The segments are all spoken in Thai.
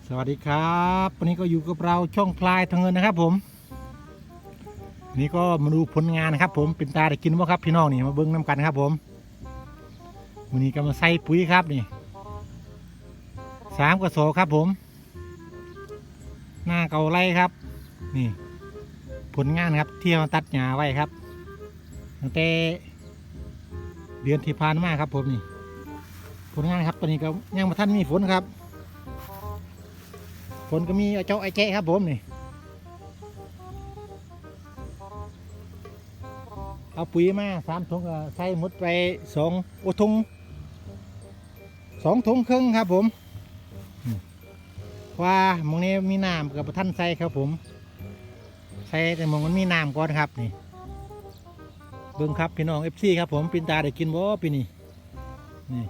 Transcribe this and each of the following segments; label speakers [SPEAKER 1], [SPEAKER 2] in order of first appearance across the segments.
[SPEAKER 1] สวัสดีครับวันนี้ก็อยู่กับเราช่องพลายทางเงินนะครับผมนี่ก็มาดูผลงานนะครับผมเป็นตาได้กินว่าครับพี่น้องนี่มาเบิ้งน้ำกันครับผมวันนี้ก็มาใส่ปุ๋ยครับนี่3 กระสอบครับผมหน้าเก่าไรครับนี่ผลงานครับที่เราตัดหญ้าไว้ครับตั้งแต่เดือนที่ผ่านมาครับผมนี่ผลงานครับตอนนี้ก็ยังมาท่านมีฝนครับฝนก็มีเจ้าไอ้แกะครับผมนี่เอาปุ๋ยมา3 ถุงก็ใส่หมดไป2 ถุง2 ถุงครึ่งครับผมว่ามองนี้มีน้ำกับท่านใส่ครับผมใส่แต่มองมันมีน้ำก่อนครับนี่เบิ้งครับพี่น้องFCครับผมปินตาได้กินบ่ปีนี้นี่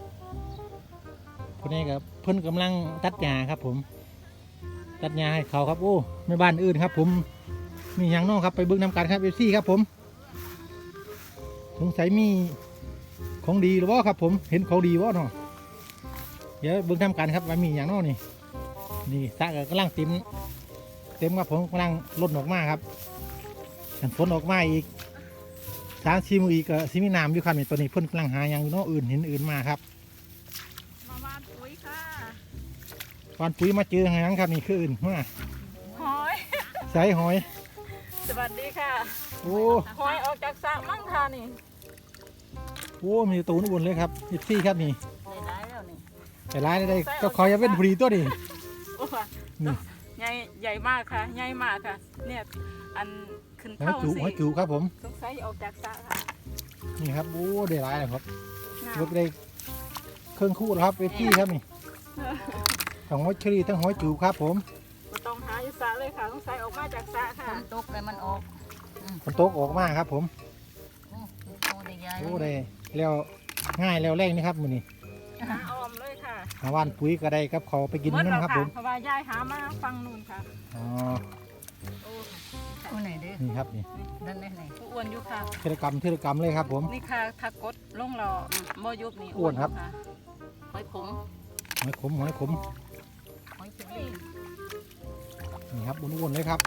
[SPEAKER 1] คนนี้กับเพิ่นกำลังตัดหญ้าครับผมตัดหญ้าให้เขาครับโอ้ไม่บ้านอื่นครับผมมีอย่างน้องครับไปเบิ้งนำกันครับFCครับผมสงสัยมีของดีหรือว่าครับผมเห็นของดีว่าเนาะเดี๋ยวเบิ้งทำกันครับว่ามีอย่างน้องนี่สระกำลังเต็มครับผมกำลังล้นออกมาครับฝนออกมาอีก3-4 มื้ออีกก็สิมีน้ำอยู่ครับนี่ตัวนี้เพิ่นกำลังหาอย่างน้องอื่นเห็นอื่นมาครับ
[SPEAKER 2] มาวานปุ๋ยค่ะ
[SPEAKER 1] วานปุ๋ยมาเจออย่างครับนี่คืออื่นมา
[SPEAKER 2] หอย
[SPEAKER 1] ใส่หอย
[SPEAKER 2] สวัสดีค่ะ
[SPEAKER 1] โอ้
[SPEAKER 2] หอยออกจากสระมั่งค่ะนี่
[SPEAKER 1] โหมีตัวนุ่นเลยครับFCครับนี่
[SPEAKER 2] ได้แล้วนี่
[SPEAKER 1] แต่ร้ายได้ก็คอยจะเป็นพอดีตัวนี้
[SPEAKER 2] โอ้ใหญ่มากค่ะใหญ่มากค่ะเนี่ยอันขึ้นเข้าสิ
[SPEAKER 1] หอยจูครับผม
[SPEAKER 2] สงสัยออกจากสระค่ะ
[SPEAKER 1] นี่ครับโอ้ได้ร้ายเลยครับรถได้เครื่องคู่แล้วครับFCครับนี่ทั้งหอยเชอรี่ทั้งหอยจูครับผม
[SPEAKER 2] ก็ต้องหาอยู่สระเลยค่ะสงสัยออกมาจากสระค่ะ
[SPEAKER 3] ฝนตกเลยมันออก
[SPEAKER 1] ฝนตกออกมาครับผมโอ้ได้แล้วง่ายแล้วแรงนี่ครับมือนี้
[SPEAKER 2] หาออมเลยค่ะ
[SPEAKER 1] หาว่านปุ๋ยก็ได้ครับเขาไปกินนั่นครับผม
[SPEAKER 2] เพราะว่ายายหามาฟังนู่นค่ะ
[SPEAKER 1] อ๋อ
[SPEAKER 3] โอ้ไหนดิ
[SPEAKER 1] นี่ครับนี่
[SPEAKER 3] นั่นไหน
[SPEAKER 2] อ้วนอยู่ค่ะ
[SPEAKER 1] เทเลกรรมเลยครับผม
[SPEAKER 2] นี่ค่ะถ้ากดลงรอบ่ยุบนี่
[SPEAKER 1] อ้วนครับ
[SPEAKER 3] หอยขม
[SPEAKER 1] หอยขม
[SPEAKER 3] หอยเชอรี่
[SPEAKER 1] นี่ครับอ้วนเลยครับ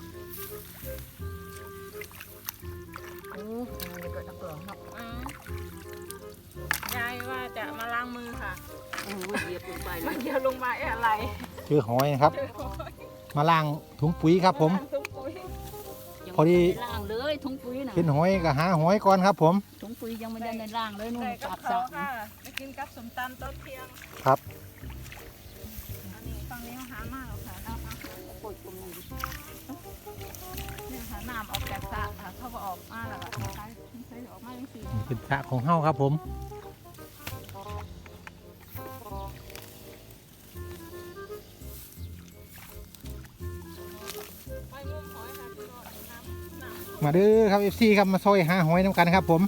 [SPEAKER 3] โอ้ยเกิดตะเกียงครับ
[SPEAKER 2] ยายว่าจะมาล้างมือค่ะ
[SPEAKER 3] เหยียบลงไป
[SPEAKER 2] มันเดียวลงมาอะไร
[SPEAKER 1] เจอหอยนะครับมาล้างถุงปุ๋ยครับผมพอดี
[SPEAKER 3] ล่างเลยถุงปุ๋ยนะ
[SPEAKER 1] เห็นหอยก็หาหอยก่อนครับผม
[SPEAKER 3] ถุงปุ๋ยยังไม่ได้ในล่างเลยนู่น
[SPEAKER 2] กับเขาค่ะไปกินกับสมตำต้นเทียง
[SPEAKER 1] ครับ
[SPEAKER 2] อันนี้ฟังนี้หามากค่ะน้ำปวดตรงนี้เนี่ยค่ะน้ำออกจากสระค่ะเขาก็ออกมาแล้วก็ใช้ออกมาจริง
[SPEAKER 1] ๆเป็นสระของเฮ้าครับผมมาดื้อครับFCครับมาซอยหาหอยน้ำกันครับผม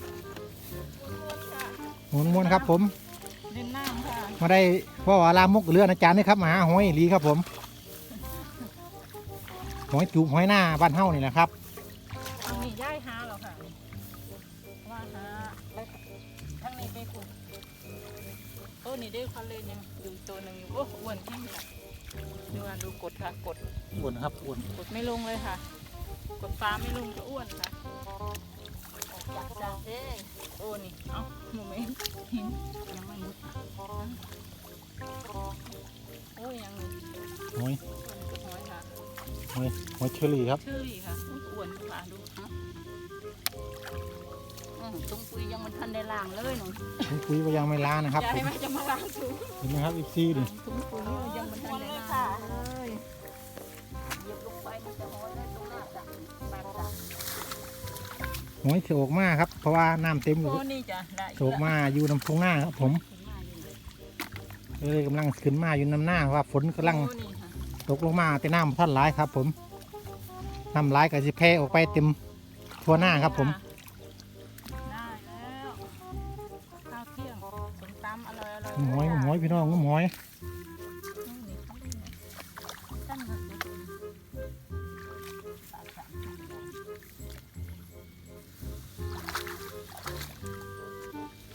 [SPEAKER 1] ม้วนครับผม
[SPEAKER 2] เล่นน้ำค่ะ
[SPEAKER 1] มาได้พ่อลามกเรืออาจารย์นี่ครับมาหาหอยลีครับผมหอยจูบหอยหน้าบ้านเฮ้านี่แหละครับ
[SPEAKER 2] ทางนี้ย่ายหาหรอค่ะว่าหาแล้วทางนี้ไปขุดโอ้นี่ได้คันเลยยังอยู่ตัวหนึ่งอยู่โอ้อ้วนแค่ไหนดูกดค่ะกด
[SPEAKER 1] อ้วนครับอ้วน
[SPEAKER 2] กดไม่ลงเลยค่ะกดฟ้าไม่ลงก็อ้วนค่ะ
[SPEAKER 3] จากสระเด้
[SPEAKER 2] โอ้นี่เอ้าโมเมนต์หิน
[SPEAKER 3] ยังไม่มุด
[SPEAKER 2] โอ้ยัง
[SPEAKER 1] หอย
[SPEAKER 2] ค่ะ
[SPEAKER 1] หอยเชอรี่ครับ
[SPEAKER 2] เชอรี่ค่ะอ้วนค่ะดู
[SPEAKER 3] ถุงปุ๋ยยังมันทันได้ล่างเลยหนู
[SPEAKER 1] ถุงปุ๋ยก็ยังไม่ล้างนะครับ
[SPEAKER 2] ยายไม่จะมาล้างถุง
[SPEAKER 1] เห็นไหมครับFCดิ
[SPEAKER 3] ถุงปุ๋ยยังมันทันได้ล่างเลยเหยียบลงไปมันจะหอยได้ตรงหน้าจ้ะปากจ้ะ
[SPEAKER 1] หอยโศกมากครับเพราะว่าน้ำเต็มอยู่โศกมาอยู่น้ำตรงหน้าครับผมเลยกำลังขึ้นมาอยู่น้ำหน้าว่าฝนกำลังตกลงมาแต่น้ำท่านร้ายครับผมน้ำร้ายกับสิเพออกไปเต็มทั่วหน้าครับผม
[SPEAKER 2] ได้แล้วข้าวเที่ยงสมตำอร่อย
[SPEAKER 1] หอยพี่น้องหอย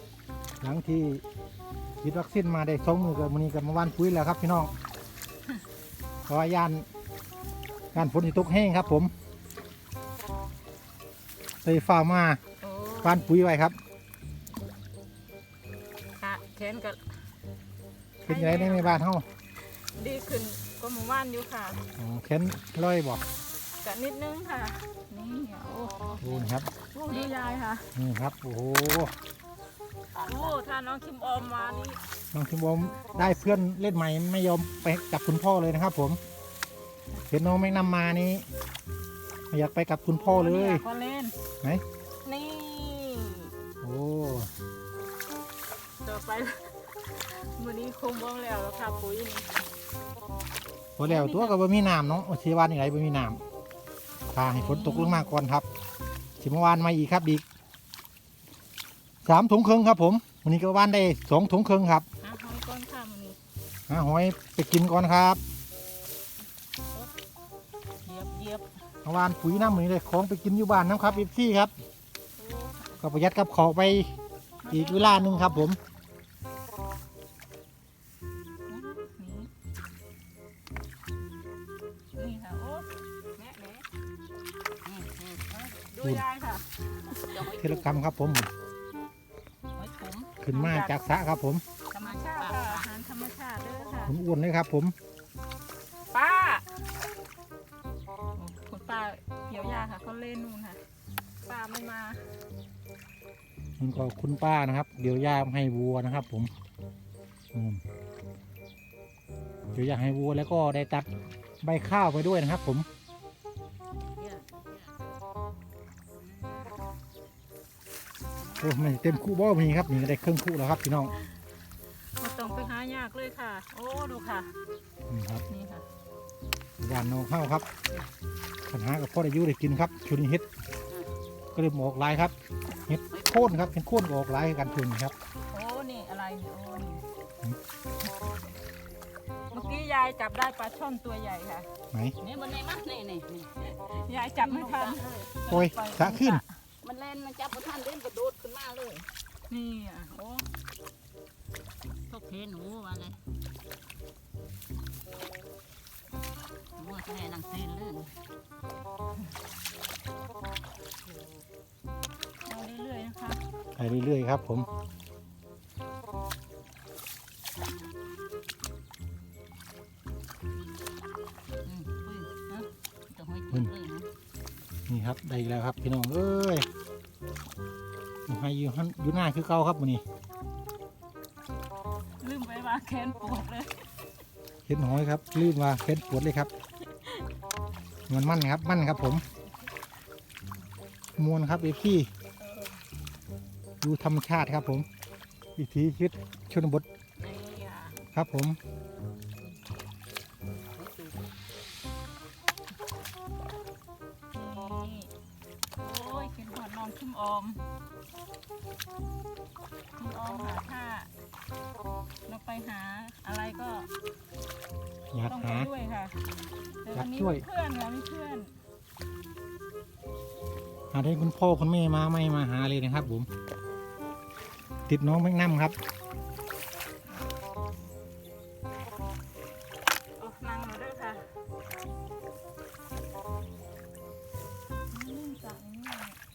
[SPEAKER 1] หลังที่ฉีดวัคซีนมาได้2 มื้อกับมื้อนี้กับมาว่านปุ๋ยแล้วครับพี่น้องเพราะว่าย่านฝนที่ตกแห้งครับผมเลยฟ้ามา
[SPEAKER 2] โอ้
[SPEAKER 1] บ้านปุ๋ยไว้ครับ
[SPEAKER 2] ค่ะแขนก็
[SPEAKER 1] เป็นยังไงในบ้านเฮา
[SPEAKER 2] ดีขึ้นก็หมู่บ้านอยู่ค่ะ
[SPEAKER 1] อ๋อแขนร้อยบอก
[SPEAKER 2] กะนิดนึงค่ะนี่โอ้
[SPEAKER 1] โอ้นี่ครับ
[SPEAKER 2] โหดูยายค่ะ
[SPEAKER 1] นี่ครับโอ้โห
[SPEAKER 2] โอ้ถ้าน้องคิมออมมานี่
[SPEAKER 1] น้องคิมบอมได้เพื่อนเล่นใหม่ไม่ยอมไปกับคุณพ่อเลยนะครับ ผมเห็นน้องไม่นำมานี่ไม่อยากไปกับคุณพ่อเลย
[SPEAKER 2] ก็เล่น
[SPEAKER 1] ไหน
[SPEAKER 2] นี่
[SPEAKER 1] โอ้
[SPEAKER 2] ต่อไป มื้อนี้คงบ้องแล้วค่ะปุ๋ยนี่
[SPEAKER 1] พอแล้วตัวก็บ่มีน้ำเนาะโอเชีวานอย่างไรบ่มีน้ำพาให้ฝนตกลงมาก่อนครับสิเมื่อวานมาอีกครับอีก3 ถุงครึ่งครับผมวันนี้ก็วานได้2 ถุงครึ่งครับ
[SPEAKER 2] หาหอยก้อนค่ะมื้อนี้
[SPEAKER 1] หาหอยไปกินก่อนครับ
[SPEAKER 2] เหยียบ
[SPEAKER 1] เมื่อวานปุ๋ยน้ำมือเลยของไปกินอยู่บ้านน้ำครับพี่ครับ
[SPEAKER 2] โอ้
[SPEAKER 1] ก็ประหยัดกับของไปอีกเวลาหนึ่งครับผม
[SPEAKER 2] นี่ค่ะโอ้แม่ดูยายค่ะ
[SPEAKER 1] เทเลกรรมครับผม
[SPEAKER 2] หอยขม
[SPEAKER 1] ขึ้นมาจากสระครับผม
[SPEAKER 2] ธรรมชาติค่ะอาหารธรรมชาติเด้อค่ะ
[SPEAKER 1] ผมอ้วนเลยครับผม
[SPEAKER 2] ป้าคุณป้าเกี่ยวยาค่ะเขาเล่นนู่นค่ะป้าไม่มา
[SPEAKER 1] มันก็คุณป้านะครับ เดี๋ยวย่าให้วัวนะครับ ผมอืมเดี๋ยวย่าให้วัวแล้วก็ได้ตัดใบข้าวไปด้วยนะครับ ผมโอ้ไม่เต็มคู่บ่มีครับนี่ก็ได้ครึ่งคู่แล้วครับพี่น้อง
[SPEAKER 2] ไม่ต้องไปหายากเลยค่ะ โอ้ดูค่ะ
[SPEAKER 1] นี่ครับ
[SPEAKER 2] นี่ค่ะ
[SPEAKER 1] หวานนองข้าวครับปัญหากับพ่อได้อยุได้กินครับช่วงนี้เฮ็ดก็เลยออกหลายครับเฮ็ดโค่นครับเป็นโค่นก็ออกหลายกันช่วงนี้ครับ
[SPEAKER 2] โอ้นี่อะไรนี่โอ้นี่เมื่อกี้ยายจับได้ปลาช่อนตัวใหญ่ค่ะ
[SPEAKER 1] ไหน
[SPEAKER 3] นี่มันในมั้นี่นี่
[SPEAKER 2] ยายจับไม่ทัน
[SPEAKER 1] โอ้ยสะขึ้น
[SPEAKER 3] มันเล่นมันจับท่านเล่นกระโดดขึ้นมาเลย
[SPEAKER 2] นี่อ่ะโอ้
[SPEAKER 3] พวกเพหนูว่าไงมัวแค่นังเต้นเลย
[SPEAKER 2] เอาเรื่อยๆนะคะ
[SPEAKER 1] ไปเรื่อยๆครับผม
[SPEAKER 3] ปุ้ยนะจะห้อยจุดเลยนะ
[SPEAKER 1] นี่ครับได้อีกแล้วครับพี่น้องเอ้ยให้อยู่หน้าคือเก่าครับวันนี้
[SPEAKER 2] ลืมไปว่าแขนปวดเลย
[SPEAKER 1] เห็นหอยครับลื่นมาเห็นปวดเลยครับมันมั่นครับมั่นครับผมมวนครับเอฟซีดูธรรมชาติครับผมวิถีชีวิตชนบท
[SPEAKER 2] นี่อ่ะ
[SPEAKER 1] ครับผม
[SPEAKER 2] นี่โอ้ยเข็นหอดนอนคิมออมคิมออมหาถ้าเราไปหาอะไรก็
[SPEAKER 1] อยาก
[SPEAKER 2] ต้องไป
[SPEAKER 1] หา
[SPEAKER 2] ด้วยค่ะแต่
[SPEAKER 1] อยา
[SPEAKER 2] วั
[SPEAKER 1] ก
[SPEAKER 2] นนี้
[SPEAKER 1] ช่วย
[SPEAKER 2] มีเพื่อนค่ะมีเพื่อน
[SPEAKER 1] หาได้คุณพ่อคุณแม่มาไม่มาหาเลยนะครับผมติดน้องแมงน้ำครับ
[SPEAKER 2] โอ้นั่งมาด้วยค่ะจับนี่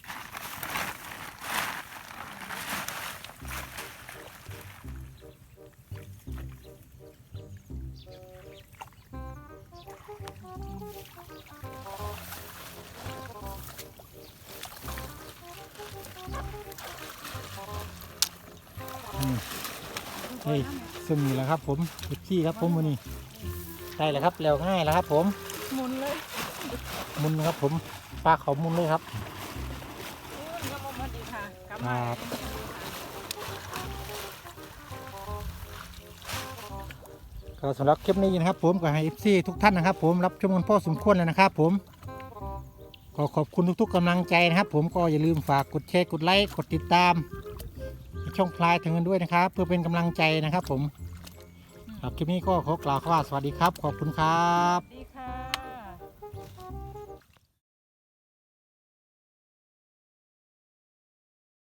[SPEAKER 1] เฮ้ยซึ่งนี่แหละครับผมเอฟซีครับผมวันนี้ได้แล้วครับแล้วง่ายแล้วครับผม
[SPEAKER 2] หมุนเลย
[SPEAKER 1] มุนครับผมปลาเขามุนเลยครับ
[SPEAKER 2] โอ้ยยังมาดีค่ะกลับมา
[SPEAKER 1] ครับ ก็สำหรับคลิปนี้นะครับผมก็ให้เอฟซีทุกท่านนะครับ ผมรับชมกันพอสมควรแล้วนะครับ ผมก็ขอบคุณทุกๆกำลังใจนะครับ ผมก็อย่าลืมฝากกดแชร์กดไลค์กดติดตามช่องพลายถึงกันด้วยนะครับ เพื่อเป็นกำลังใจนะครับ ผมครับคลิปนี้ก็ขอกล่าวคำว่าสวัสดีครับ ขอบคุณครับ
[SPEAKER 2] ดี